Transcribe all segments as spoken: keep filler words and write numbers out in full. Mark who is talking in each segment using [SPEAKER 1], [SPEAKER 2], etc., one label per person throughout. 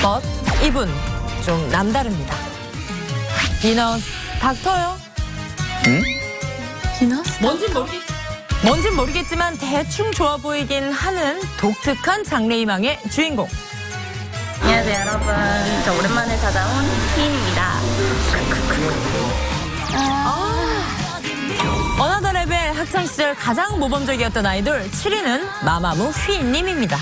[SPEAKER 1] but 이분 좀 남다릅니다. 비너스 닥터요?
[SPEAKER 2] 응?
[SPEAKER 1] 비너스? 뭔진 모르겠 뭔진 모르겠지만 대충 좋아 보이긴 하는 독특한 장래희망의 주인공.
[SPEAKER 3] 안녕하세요 여러분, 저 오랜만에 찾아온 희인입니다.
[SPEAKER 1] 어나더 레벨 학창시절 가장 모범적이었던 아이돌 칠 위는 마마무 휘인님입니다.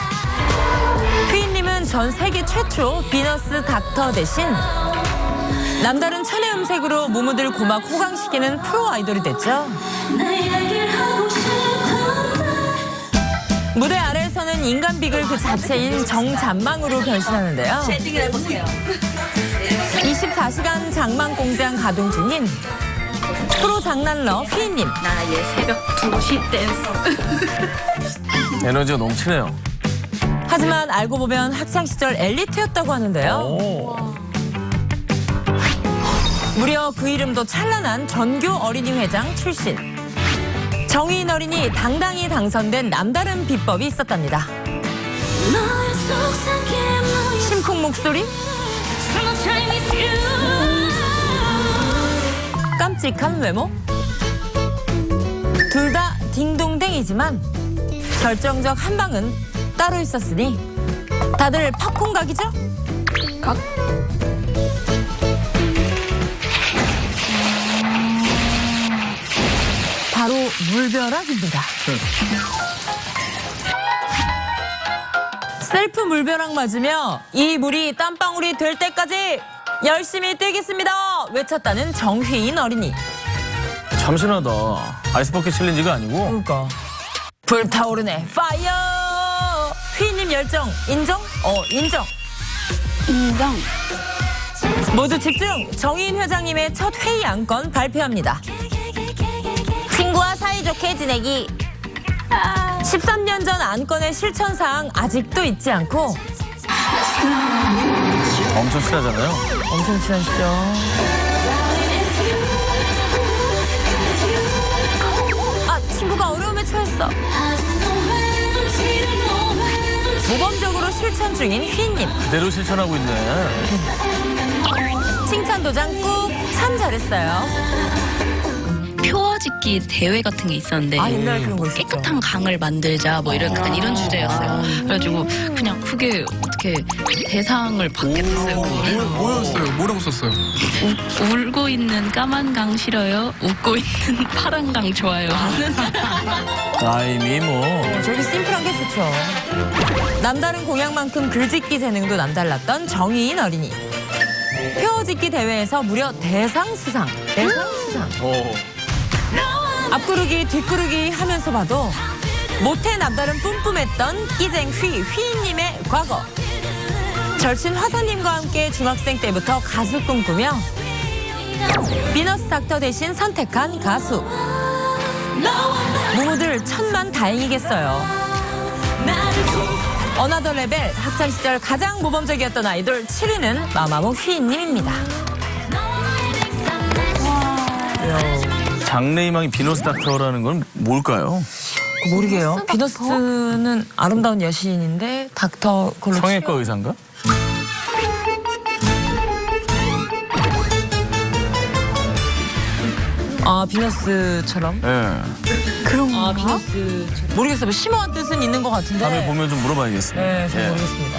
[SPEAKER 1] 휘인님은 전 세계 최초 비너스 닥터 대신 남다른 천의 음색으로 무무들 고막 호강시키는 프로 아이돌이 됐죠. 무대 아래에서는 인간 비글 그 자체인 정잔망으로 변신하는데요.
[SPEAKER 3] 쉐딩을 해보세요.
[SPEAKER 1] 이십사 시간 장망 공장 가동 중인 프로 장난러 휘인님.
[SPEAKER 3] 나의 새벽 두 시 댄스.
[SPEAKER 2] 에너지가 넘치네요.
[SPEAKER 1] 하지만 알고 보면 학창시절 엘리트였다고 하는데요.
[SPEAKER 2] 오.
[SPEAKER 1] 무려 그 이름도 찬란한 전교 어린이 회장 출신. 정의인 어린이 당당히 당선된 남다른 비법이 있었답니다. 심쿵 목소리, 깜찍한 외모, 둘 다 딩동댕이지만 결정적 한 방은 따로 있었으니 다들 팝콘 각이죠? 각. 바로 물벼락입니다. 셀프 물벼락 맞으며 이 물이 땀방울이 될 때까지 열심히 뛰겠습니다 외쳤다는 정휘인 어린이.
[SPEAKER 2] 참신하다. 아이스버킷 챌린지가 아니고.
[SPEAKER 1] 그러니까 불타오르네 파이어. 휘인님 열정 인정? 어 인정.
[SPEAKER 3] 인정.
[SPEAKER 1] 모두 집중. 정의인 회장님의 첫 회의 안건 발표합니다. 친구와 사이좋게 지내기. 십삼 년 전 안건의 실천사항 아직도 잊지 않고.
[SPEAKER 2] 엄청 친하잖아요.
[SPEAKER 1] 엄청 친하시죠. 아, 친구가 어려움에 처했어. 모범적으로 실천 중인 휘인님.
[SPEAKER 2] 그대로 실천하고 있네.
[SPEAKER 1] 칭찬 도장 꾹. 참 잘했어요.
[SPEAKER 4] 표어짓기 대회 같은 게 있었는데
[SPEAKER 1] 아, 옛날에 그런 거 있었죠.
[SPEAKER 4] 깨끗한 강을 만들자 뭐 이런 약간 이런 주제였어요. 그래가지고 그냥 그게 어떻게 대상을 받게 됐어요. 그거를.
[SPEAKER 5] 뭐였어요? 뭐라고 썼어요?
[SPEAKER 4] 우, 울고 있는 까만 강 싫어요. 웃고 있는 파란 강 좋아요.
[SPEAKER 2] 라임이 뭐.
[SPEAKER 1] 저기 심플한 게 좋죠. 남다른 공약만큼 글짓기 재능도 남달랐던 정의인 어린이. 표어짓기 대회에서 무려 대상 수상. 대상 수상.
[SPEAKER 2] 오.
[SPEAKER 1] 앞구르기 뒷구르기 하면서 봐도 못해 남다른 뿜뿜했던 끼쟁 휘 휘인님의 과거. 절친 화사님과 함께 중학생 때부터 가수 꿈꾸며 비너스 닥터 대신 선택한 가수. 무무들 천만 다행이겠어요. 어나더 레벨 학창시절 가장 모범적이었던 아이돌 칠 위는 마마무 휘인님입니다.
[SPEAKER 2] 장래희망이 비너스 닥터라는 건 뭘까요?
[SPEAKER 1] 모르게요. 비너스는 아름다운 여신인데 닥터 걸로
[SPEAKER 2] 성형외과 의사인가?
[SPEAKER 1] 아 비너스처럼?
[SPEAKER 2] 예.
[SPEAKER 1] 그런 아 비너스처럼. 모르겠어요. 뭐 심오한 뜻은 있는 것 같은데.
[SPEAKER 2] 다음에 보면 좀 물어봐야겠습니다.
[SPEAKER 1] 네, 잘
[SPEAKER 2] 예.
[SPEAKER 1] 모르겠습니다.